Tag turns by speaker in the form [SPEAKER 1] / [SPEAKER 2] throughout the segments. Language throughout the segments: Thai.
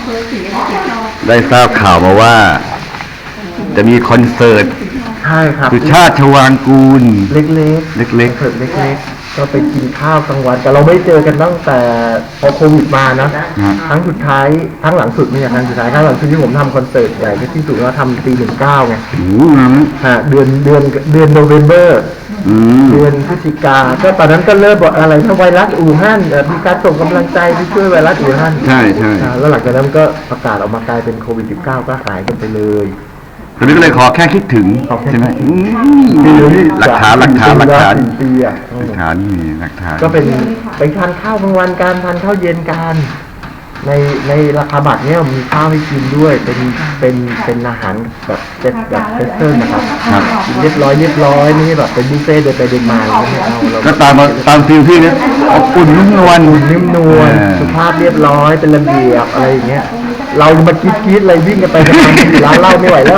[SPEAKER 1] ได้ทราบข่าวมาว่า จะมีคอนเสิร์ต
[SPEAKER 2] ใช่ครับ
[SPEAKER 1] สุชาติ ชวางกูล
[SPEAKER 2] เล็ก
[SPEAKER 1] ๆ
[SPEAKER 2] คอนเสิร์ตเล็กๆก็ไปกินข้าวกลางวันแต่เราไม่เจอกันตั้งแต่พอโควิดมานะครั้งสุดท้ายครั้งหลังสุดไม่ใช่ครั้งสุดท้ายครั้งหลังสุดที่ผมทำคอนเสิร์ตใหญ่ที่สุดเราทำปี19ไงเดือนโนเวมเบอร์เดือนพฤศจิกาก็ตอนนั้นก็เริ่มบอกอะไรถ้าไวรัสอู่ฮั่นมีการส่งกำลังใจไปช่วยไวรัสอู่ฮั่น
[SPEAKER 1] ใช่
[SPEAKER 2] แล้วหลังจากนั้นก็ประกาศออกมากลายเป็นโควิด19ก็หายกันไปเลย
[SPEAKER 1] ตอนนี้ก็เลยขอแค่คิดถึงใช่ไหมหลักฐาน
[SPEAKER 2] ปีอะ
[SPEAKER 1] หลักฐานนี่หลักฐาน
[SPEAKER 2] ก็เป็นไปทานข้าวกลางวันการทานข้าวเย็นกันในราคาบัตรเนี่ยมีข้าวให้กินด้วยเป็นอาหารแบบเซ็ตนะครับเรียบร้อยนี่แบบเป็นบุฟเฟ่ต์เดินไปเดินมาไม่เอา
[SPEAKER 1] ก็ตามฟิลที่เนี่ยอุ่นนุ่มนวล
[SPEAKER 2] สุภาพเรียบร้อยเป็นระเบียบอะไรอย่างเงี้ยเรามาคิดอะไรวิ่งกันไปกันมาที่ร้านเหล้าไม่ไหวแล้ว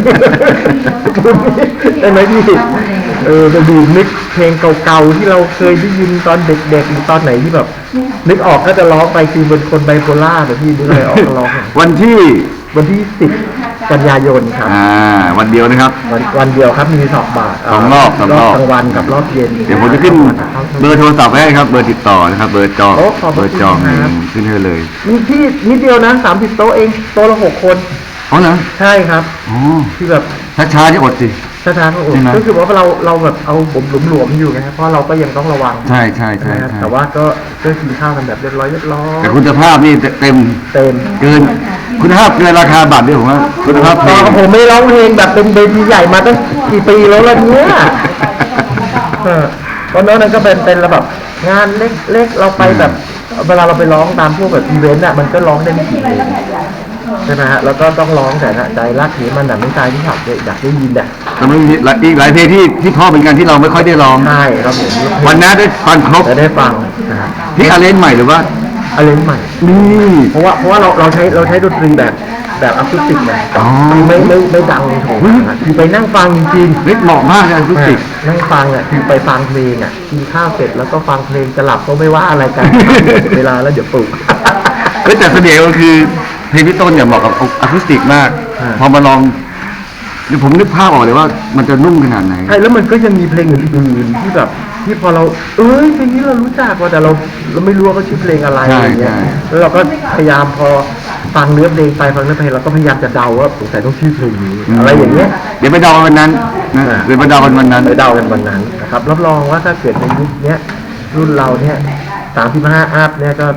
[SPEAKER 2] ได้ไหมพี่ไปดูนึกเพลงเก่าๆที่เราเคยได้ยินตอนเด็กๆหรือตอนไหนที่แบบนึกออกก็จะร้องไปคือเป็นคนไบโพล่าแบบพี่นึกอะไรออกก็ร้อง
[SPEAKER 1] วันที่
[SPEAKER 2] 10 กันยายนครับ
[SPEAKER 1] วันเดียวนะครับ
[SPEAKER 2] วันเดียวครับมี2 บาท
[SPEAKER 1] 2 รอบ
[SPEAKER 2] กลางวันกับรอบเย็น
[SPEAKER 1] เดี๋ยวผมจะขึ้นเบอร์โทรศัพท์ให้ครับเบอร์ติดต่อนะครับเบอร์จองขึ้นให้เลย
[SPEAKER 2] มีที่นิดเดียวนะ30 โต๊ะเองโต๊ะละ6 คน
[SPEAKER 1] อ๋อเหรอ
[SPEAKER 2] ใช่ครับที่แบบ
[SPEAKER 1] ช้าที่อดสิ
[SPEAKER 2] ช้าก็คือว่าเราแบบเอาผมหลวมอยู่นะครับเพราะเราก็ยังต้องระวัง
[SPEAKER 1] ใช่
[SPEAKER 2] แต่ว่าก็กินข้าวกันแบบเรียบร้อย
[SPEAKER 1] แต่คุณภาพนี่เต็มเกินคุณภาพเกินราคาบัตรด้วยผมว่าคุณภาพเพลง
[SPEAKER 2] ผมไม่ร้องเพลงแบบเป็นเวทีใหญ่มาตั้งกี่ปีแล้วล่ะเนี่ยเพราะนั้นก็เป็นระแบบงานเล็กเราไปแบบเวลาเราไปร้องตามพวกแบบอีเวนต์อ่ะมันก็ร้องได้ไม่กี่เพลงใช่ไหมฮะแล้วก็ต้องร้องแต่ใจรักที่มันแบบไม่ใจที่อยากได้ยินอ่ะ
[SPEAKER 1] แต่มันมีอีกหลายเพลงที่พ่อเป็นการที่เราไม่ค่อยได้ร้อง
[SPEAKER 2] ใช่ครับผม
[SPEAKER 1] วันนั้นได้ฟังครบ
[SPEAKER 2] ได้ฟัง
[SPEAKER 1] ที่อาเลนใหม่หรือว่า
[SPEAKER 2] อาเลนใหม่
[SPEAKER 1] นี่
[SPEAKER 2] เพราะว่าเราใช้ดนตรีแบบอะคูสติกนะไม่ดังโถคือไปนั่งฟังจริง
[SPEAKER 1] ๆเหมาะมากเลยอะคูสติก
[SPEAKER 2] นั่งฟังอ่ะคือไปฟังเพลงอ่ะกินข้าวเสร็จแล้วก็ฟังเพลงจะหลับก็ไม่ว่าอะไรกันเวลาแล้วเดี๋ยวปลุก
[SPEAKER 1] แต่เสน่ห์ก็คือเพลงพี่ต้นเนี่ยเหมาะกับอะคูสติกมากพอมาลองเดี๋ยวผมนึกภาพออกเลยว่ามันจะนุ่มขนาดไหน
[SPEAKER 2] ใช่แล้วมันก็ยังมีเพลงอื่นๆที่แบบที่พอเราเพลงนี้เรารู้จักว่าแต่เราไม่รู้ว่าเขาชื่อเพลงอะไรอย่างเงี้ยแล้วเราก็พยายามพอฟังเนื้อเพลงไปฟังเนื้อเพลงเราก็พยายามจะเดาว่าสงสัยต้องชื่อเพลงนี้อะไรอย่างเงี้ย
[SPEAKER 1] เดี๋ยวไปเดาวันนั้นเดี๋ยวไปเดาวันนั้น
[SPEAKER 2] นะครับรับรองว่าถ้าเกิดในยุคนี้รุ่นเราเนี่ย35 อัพเนี่ยก็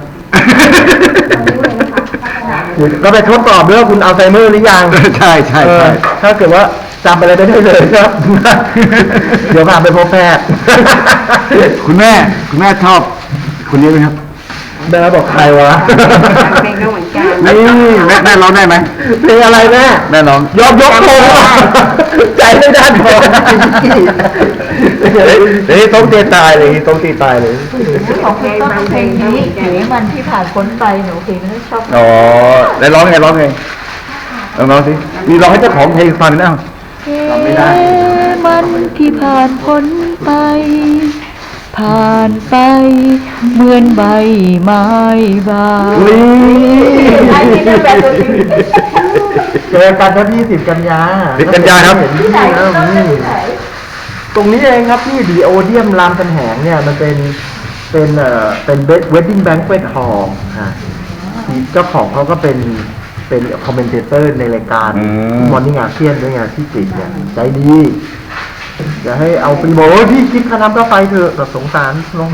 [SPEAKER 2] ไปทดสอบด้วยว่าคุณอัลไซเมอร์หรือยัง
[SPEAKER 1] ใช่
[SPEAKER 2] ถ้าเกิดว่าจำอะไรได้เลยครับเดี๋ยวพาไปพบแพทย์
[SPEAKER 1] คุณแม่ชอบคนนี้ไหมครับ
[SPEAKER 2] แม่บอกใครวะ
[SPEAKER 3] เพลงก็เหมือนกัน
[SPEAKER 1] นี่แม่ร้องได้ไหม
[SPEAKER 2] เพลงอะไรแม่
[SPEAKER 1] ร้อง
[SPEAKER 2] ยกโทงใจไม่ได้พอต้องตีตายเลย
[SPEAKER 3] ของเพลงต้องเพลงนี้หรือมันที่ผ่านพ้นไปหนูเพลงที่ชอบ
[SPEAKER 1] ได้ร้องไงลองสิมีร้องให้เจ้าของเพลงฟังนะ
[SPEAKER 3] ไม่ได้มันที่ผ่านพ้นไปผ่านไปเหมือนใบไม้บาน
[SPEAKER 2] เจอกันที่10 กันยา
[SPEAKER 1] ครับ
[SPEAKER 2] ตรงนี้เองครับที่ดีโอเดียมรามคำแหงเนี่ยมันเป็นเวดดิ้งแบงค์เฟสฮอลล์เจ้าของเขาก็เป็นคอมเมนเตอร์ในรายการมอร์นิ่งอาเซียนด้วยไงที่จิตเนี่ยใจดีอย่าให้เอาไปบอกว่าพี่คิดค่าน้ำค่าไฟเถอะแบบสงสารน้อง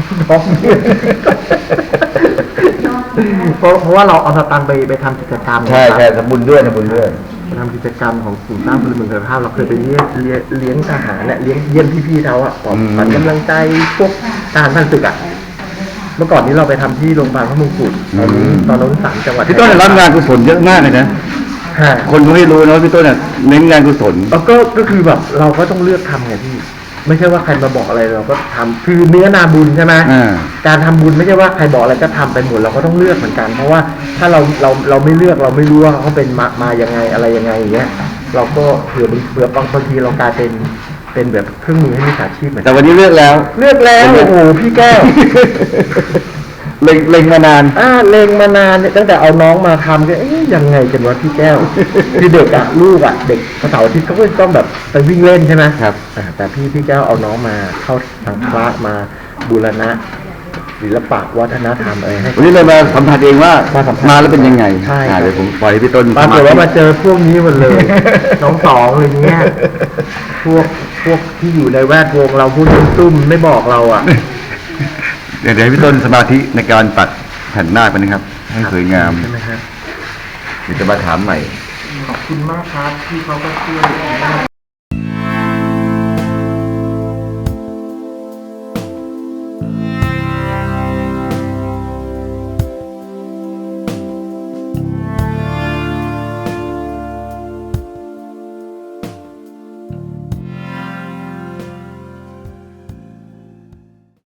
[SPEAKER 2] เพราะว่าเราเอาสตางค์ไปทำกิจกรรม
[SPEAKER 1] ใช่ทำบุญด้วย
[SPEAKER 2] ทำกิจกรรมของกลุ่มสร้างพลเมืองคุณภาพเราเคยไปเลี้ยงทหารเนี่ยเลี้ยงเยี่ยมพี่ๆเขาอ่ะขวัญกำลังใจพวกทหารพันศึกอ่ะเมื่อก่อนนี้เราไปทำที่โรงพยาบาลพระมงกุฎตอนนั้น3 จังหวัด
[SPEAKER 1] พี่ต้นรับงานกุศลเยอะมากเลยนะคนก็ไม่รู้นะพี่ต้นเนี่ยเน้นงานกุศล
[SPEAKER 2] ก็คือแบบเราก็ต้องเลือกทำไงพี่ไม่ใช่ว่าใครมาบอกอะไรเราก็ทำคือเนื้อนาบุญใช่ไหมการทำบุญไม่ใช่ว่าใครบอกอะไรก็ทำไปหมดเราก็ต้องเลือกเหมือนกันเพราะว่าถ้าเราไม่เลือกเราไม่รู้ว่าเขาเป็นมายังไงอะไรยังไงอย่างเงี้ยเราก็เผื่อบางทีเรากลายเป็นแบบเครื่องมือให้มิจฉาชีพเหมือนกัน
[SPEAKER 1] แต่วันนี้เลือกแล้ว
[SPEAKER 2] โอ้โหพี่แก้ว
[SPEAKER 1] เล็งมานาน
[SPEAKER 2] เล็งมานานเนี่ยตั้งแต่เอาน้องมาทำก็ยังไงกันวะพี่แก้ว คือเด็กอะลูกอะเด็กเสาร์อาทิตย์ก็ต้องแบบไปวิ่งเล่นใช่ไหม
[SPEAKER 1] ครับ
[SPEAKER 2] แต่พี่แก้วเอาน้องมาเข้าทางพระมาบูรณะศิลปะวัฒนธรรมอะไรให้
[SPEAKER 1] วันนี้เลยมาสัมผัสเองว่า
[SPEAKER 2] มาสัมผัส
[SPEAKER 1] มาแล้วเป็นยังไง
[SPEAKER 2] ใช่
[SPEAKER 1] เดี๋ยวผมปล่อยให้พี่ต้น
[SPEAKER 2] ปรากฏว่ามาเจอพวกนี้หมดเลย น้องสองอะไรเงี้ยพวกที่อยู่ในแวดวงเราพูดตุ้มๆไม่บอกเราอ่ะ
[SPEAKER 1] เดี๋ยวให้พี่ต้นสมาธิในการตัดแผ่นหน้าไปนะครับ ให้สวยงาม
[SPEAKER 2] ใช่ไหมฮะ
[SPEAKER 1] เดี๋ยวจะมาถามใหม่
[SPEAKER 2] ขอบคุณมากครับที่เขาก็ช่วย